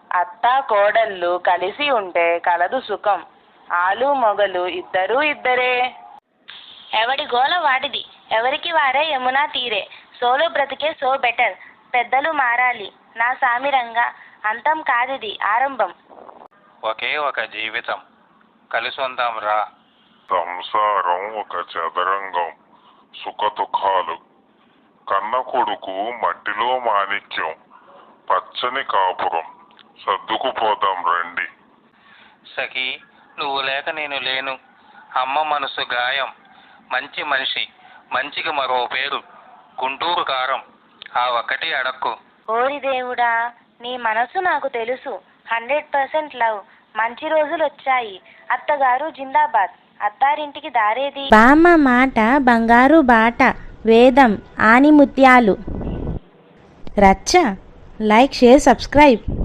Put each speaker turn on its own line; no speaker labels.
అత్తా కోడళ్ళు కలిసి ఉంటే కలదు సుఖం. ఆలు మొగలు ఇద్దరూ ఇద్దరే.
ఎవడి గోల వాడిది, ఎవరికి వారే యమునా తీరే. సోలో బ్రతికే సో బెటర్. పెద్దలు మారాలి నా సామిరంగా, అంతం కాదిది ఆరంభం.
ఒకే ఒక జీవితం, కలిసొందాం రా.
సంసారం ఒక చదరంగం, సుఖదుఖాలు. కన్న కొడుకు మట్టిలో మాణిక్యం, పచ్చని కాపురం, సర్దుకుపోదాం రండి.
సఖీ, నువ్వు లేక నేను లేను. అమ్మ మనసు గాయం, మంచి మనిషి, మంచికి మరో పేరు గుంటూరు కారం. ఆ ఒక్కటి అడక్కు.
ఓరి దేవుడా, నీ మనసు నాకు తెలుసు. 100% లవ్. మంచి రోజులు వచ్చాయి. అత్తగారు జిందాబాద్. అత్తారింటికి దారేది.
బామ్మ మాట బంగారు బాట, వేదం ఆనిముత్యాలు. రచ్చ. Like, share, subscribe.